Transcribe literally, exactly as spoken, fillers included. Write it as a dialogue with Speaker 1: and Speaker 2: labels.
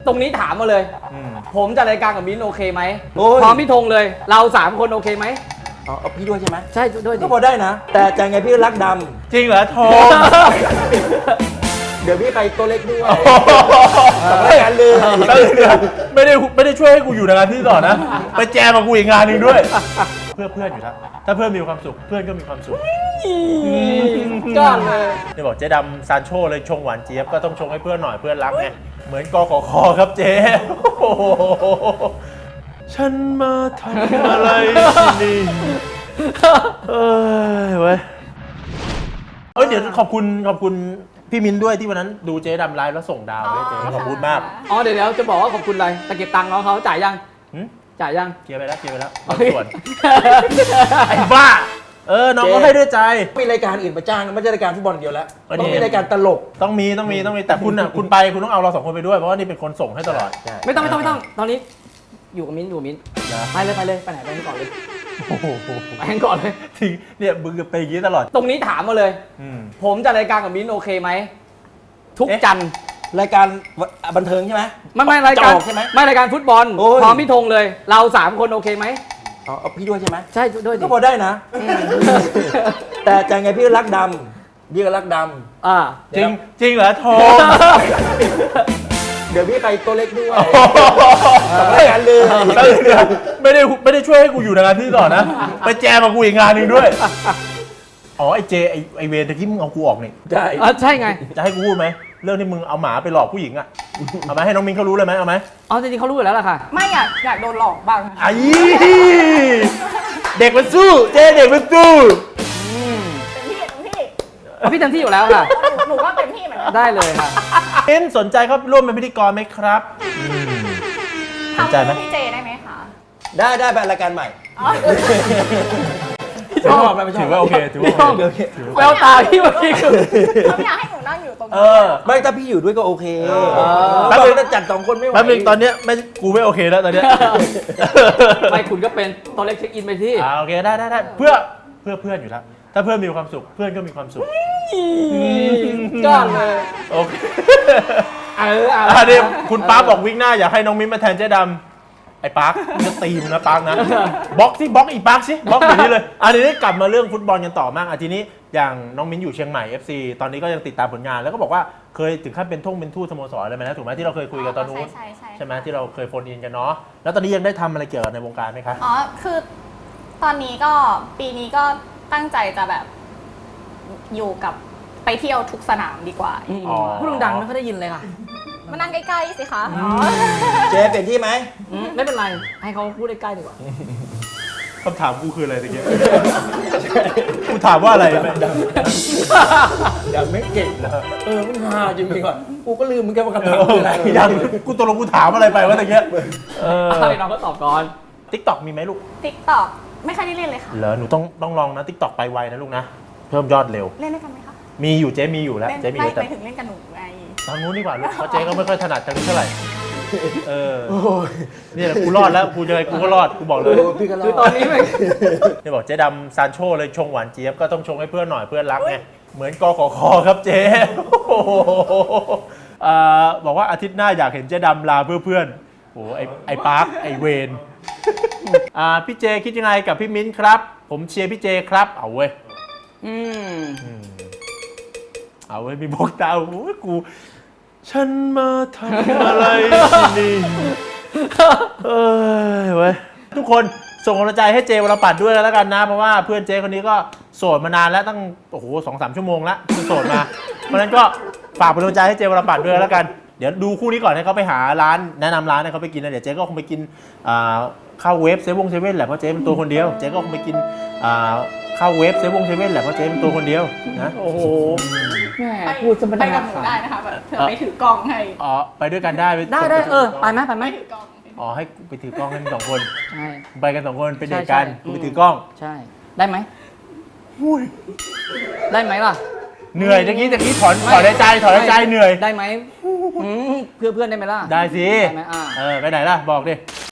Speaker 1: ตรงนี้ถามมาเลยผมจะรายการกับมิ้นโอเคไหม
Speaker 2: โอ้ย
Speaker 1: พร้อมพี่ธงเลยเราสามคนโอเคไหม
Speaker 2: อ๋อเอาพี่ด้วยใช่ไหม
Speaker 1: ใช่ด้วยดิ
Speaker 2: ก็พอได้นะ แต่ใจไงพี่รักด
Speaker 3: จริงเหรอโทร
Speaker 2: ำเดี๋ยวพี่ไปตัวเล็กด้วยสองรายการเลย
Speaker 3: ไม่ได้ไม่ได้ช่วยให้กูอยู่ในงานที่ต่อนะ ไปแจมกับกูอีกงานหนึ่งด้วย เพื่อเพื่อนอยู่แล้วถ้าเพื่อนมีความสุขเพื่อนก็มีความสุข
Speaker 1: ก้อนเลย
Speaker 3: นี่บอกเจ๊ดำซานโชเลยชงหวานเจี๊ยบก็ต้องชงให้เพื่อนหน่อยเพื่อนรักไงเหมือนกขคครับเจ๊โอ้โหฉันมาทำอะไรที่นี่เอ้ยเว้ยเอ้ยเดี๋ยวขอบคุณขอบคุณพี่มิ้นด้วยที่วันนั้นดูเจ๊ดำไลฟ์แล้วส่งดาวให้เจ๊ขอบคุณมาก
Speaker 1: อ๋อเดี๋ยวเดี๋ยวจะบอกว่าขอบคุณอะไรแต่เก็บตังค์น้องเขาจ่ายยัง
Speaker 3: หึ
Speaker 1: จ่ายยัง
Speaker 3: เคลียร์ไปแล้วเคลียร์ไปแล้วบางส่วนไอ้บ้าเออน้องก็ให้ด้วยใจ
Speaker 2: มีรายการอื่นมาจ้างไม่ใช่รายการฟุตบอลเดียวแล้ว
Speaker 3: อันนี้
Speaker 2: ต้องมีรายการตลก
Speaker 3: ต้องมีต้องมีต้องมีแต่คุณอ่ะคุณไปคุณต้องเอาเราสองคนไปด้วยเพราะว่านี่เป็นคนส่งให้ตลอด
Speaker 1: ไม่ต้องไม่ต้องไม่ต้องตอนนี้อยู่กับมิ้นอยู่กับมิ้น
Speaker 3: นะ
Speaker 1: ไปเลยไปเลยไปไหนไปกันก่อนเลย
Speaker 3: โอ้โห
Speaker 1: ไปกันก่อนเลย
Speaker 3: ทิ้งเนี่ยมึงไปอย่างนี้ตลอด
Speaker 1: ตรงนี้ถามมาเลย
Speaker 3: อืม
Speaker 1: ผมจะรายการกับมิ้นโอเคไหมทุก
Speaker 3: เอ๊ะ
Speaker 1: จันทร์
Speaker 2: รายการบันเทิงใช่ไหม
Speaker 1: ไม่ไม่รายการ
Speaker 2: จะออกใช่ไหม
Speaker 1: ไม่รายการฟุตบอล
Speaker 2: โอ้ย
Speaker 1: พร้อมพี่ธงเลย เราสามคนโอเคไหม
Speaker 2: อ๋อเอาพี่ด้วยใช่ไหม
Speaker 1: ใช่ด้วยดิ
Speaker 2: ก็พอได้นะ แต่ใจไงพี่รักดำพี่ก็รักด
Speaker 1: อ่า
Speaker 3: จริงจริงเหรอโทร
Speaker 2: ำเดี๋ยวพี่ไปตัวเล็กด้วยสองรายการเลย
Speaker 3: ไม่ได้ไม่ได้ช่วยให้กูอยู่ในงานที่ต่อนะ ไปแจมกับกูอีกงานหนึ่งด้วย อ๋อไอเจไอไอเวรตะกี้มึงเอากูออกนี่
Speaker 2: ได้
Speaker 1: อ่าใช่ไง
Speaker 3: จะให้กูพูดไหมเรื่องที่มึงเอาหมาไปหลอกผู้หญิงอะเอาไหมให้น้องมิ้นเขารู้เลยไหมเอาไหม
Speaker 1: อ๋อจริงๆเขารู้อยู่แล้วล่ะค่ะ
Speaker 4: ไม่อยากอยากโดนหลอกบ้าง
Speaker 3: ไอ้เด็กมันสู้เจเด็กมันสู้
Speaker 4: เต็มที่เต็มที่
Speaker 1: เอาพี่เต็มที่อยู่แล้วค่ะ
Speaker 4: หนูหนูก็เต็มที่เหมือนกัน
Speaker 1: ได้เลยค่ะ
Speaker 3: เอ็นสนใจเขาร่วมเป็นพิธีกรไหมครับอืมสนใจไหม
Speaker 4: ทำพี่เจได้ไหมคะ
Speaker 2: ได้ได้ไปรายการใหม่
Speaker 4: อ๋อ
Speaker 2: ชอบไหมไม่ชอบ
Speaker 3: ถือว่าโอเคถือว่าโอเค
Speaker 2: โอเค
Speaker 1: แววตาพี่เมื่อกี้คือ
Speaker 4: เขาอยากให้หนูนั่งอยู่ตรง
Speaker 3: เอ
Speaker 4: นี้
Speaker 3: อ
Speaker 2: ไม่ถ้าพี่อยู่ด้วยก็โอเค
Speaker 3: เออ
Speaker 2: แป๊บนึงจะจัดสองคนไม่ไหว
Speaker 3: แป๊บนึงตอนเนี้ยไม่กูไม่โอเคแล้วตอนเนี้ย
Speaker 1: ไม่คุณก็เป็นตัวเล็กเช็คอินไปที่
Speaker 3: อ่าโอเคได้ได้ได้เพื่อเพื่อเพื่อนอยู่แล้วถ้าเพื่อนมีความสุขเพื่อนก็มีความสุข
Speaker 1: ก้อนเลย
Speaker 3: โอเค
Speaker 1: เออเอา
Speaker 3: อันนี้คุณป๊าร์คบอกวิกหน้าอยากให้น้องมิ้นมาแทนเจ๊ดำไอ้ป๊าร์คมึงจะตีมึงนะป๊าร์คนะบล็อกสิบล็อกอีป๊าร์คสิบล็อกอย่างนี้เลยอันนี้กลับมาเรื่องฟุตบอลกันต่อมากอ่ะทีนี้อย่างน้องมิ้นอยู่เชียงใหม่ เอฟ ซี ตอนนี้ก็ยังติดตามผลงานแล้วก็บอกว่าเคยถึงขั้นเป็นท่งเป็นทูตสโมสรอะไรไหมนะถูกไหมที่เราเคยคุยกันตอนนู้น
Speaker 4: ใช่ใช่
Speaker 3: ใช่ไหมที่เราเคยโฟนอินกันเนาะแล้วตอนนี้ยังได้ทำอะไรเกี่ยวกับในวงการไหมคะ
Speaker 4: อ๋อคือตอนนี้ก็ปีนี้ก็ตั้งใจจะแบบอยู่กับไปเที่ยวทุกสนามดีกว่า
Speaker 1: อืม
Speaker 3: อ๋อ
Speaker 1: พูดดังๆไม่ค่อยได้ยินเลยค่ะ
Speaker 4: มานั่งใกล้ๆสิคะ
Speaker 2: เจ๊เปลี่ยนที่ไหม
Speaker 1: อืมไม่เป็นไร ให้เขาพูดใกล้ๆดีกว่า
Speaker 3: คำถามกูคืออะไรตะเกียบกูถามว่าอะไรไหม
Speaker 2: อย่าไม่เก่งนะเออมันฮาจริงๆก่อนกูก็ลืมเหมือนกันว่าคำถามคืออะไร
Speaker 3: ยังกูตกลงกูถามอะไรไปวะตะเกียบเออ
Speaker 1: ให้น้องก็ตอบก่อน
Speaker 3: ติ๊กต็อกมีไหมลูก
Speaker 4: ติ๊กต็อกไม่ค่อยได้เล่นเลยค่ะ
Speaker 3: เหรอหนูต้องต้องลองนะติ๊กต็อกไปไวนะลูกนะเพิ่มยอดเร็ว
Speaker 4: เล่นด้วยกันไหมคะ
Speaker 3: มีอยู่เจ๊มีอยู่แล้ว
Speaker 4: เล่น
Speaker 3: เจ๊มีอ
Speaker 4: ไม่
Speaker 3: ยู่แต่
Speaker 4: ไปถึงเล่นกับหนูไง
Speaker 3: ทางนู้นดีกว่าลูกเพราะเจ๊ก็ไม่ค่อยถนัดทางนี้เท่าไหร่เออ
Speaker 2: โอ้ย
Speaker 3: นี่แหละกูรอดแล้วกูยังไงกูก็รอดกูบอกเลย
Speaker 2: โอ้พี่ก็รอ
Speaker 1: คือ
Speaker 2: ด
Speaker 1: ตอนนี้ไม่
Speaker 3: นี่บอกเจ๊ดำซานโชเลยชงหวานเจี๊ยบก็ต้องชงให้เพื่อนหน่อยเพื่อนรักไงเหมือนกขคครับเจ๊โอ้โหอ่าบอกว่าอาทิตย์หน้าอยากเห็นเจ๊ดำลาเพื่อเพื่อนโอ้โหไอไอปาร์คไอเวนอ่าพี่เจคิดยังไงกับพี่มิ้นครับ ผมเชียร์พี่เจครับเอาเว้ย
Speaker 1: อืม
Speaker 3: เอาไว้มีบอกตาโอ้ยกู ฉันมาทำอะไรที่นี่เอ้ยเว้ยทุกคนส่งกำลังใจให้เจวรปัตรด้วยแล้วกันนะ เพราะว่าเพื่อนเจคนนี้ก็โสดมานานแล้วตั้งโอ้โหสองสามชั่วโมงแล้วคือโสดมา เพราะฉะนั้นก็ฝากเป็นกำลังใจให้เจวรปัตรด้วยแล้วกัน เดี๋ยวดูคู่นี้ก่อนให้เขาไปหาร้านแนะนำร้านให้เขาไปกินนะเดี๋ยวเจก็คงไปกินอ่าข้าวเวฟเซเว่นเซเว่นแหละเพราะเจเป็นตัวคนเดียวเจก็คงไปกินอ่าข้าวเวฟเซเว่นเซเว่นแหละเพราะเจเป็นตัวคนเดียวนะ
Speaker 1: โอ้โหแหม
Speaker 4: ไป
Speaker 1: พูดจะไม่
Speaker 4: ไป
Speaker 1: ได้
Speaker 4: กับหนูได้นะคะแบบเธอไปถือกล้องให้
Speaker 3: อ๋อไปด้วยกันได้
Speaker 1: ได้ได้เออ ไปไหมไปไหม
Speaker 4: ไปถือกล้อง
Speaker 3: อ๋อให้ไปถือกล้องให้มึงสองคน
Speaker 1: ใช่
Speaker 3: ไปกันสองคนเป็นเดท
Speaker 1: ใช่
Speaker 3: กัน
Speaker 1: ใช่
Speaker 3: กูไปถือกล้อง
Speaker 1: ใช่ ได้ไหมได้ไหมล่ะ
Speaker 3: เหนื่อยตะกี้ตะกี้ถอนถอนในใจถอนในใจเหนื่อย
Speaker 1: ได้ไหมอืมเพื่อเพื่อนได้ไหมล่ะ
Speaker 3: ได้สิ
Speaker 1: ได้ไหมอ่า
Speaker 3: เออไปไหนล่ะบอกดิ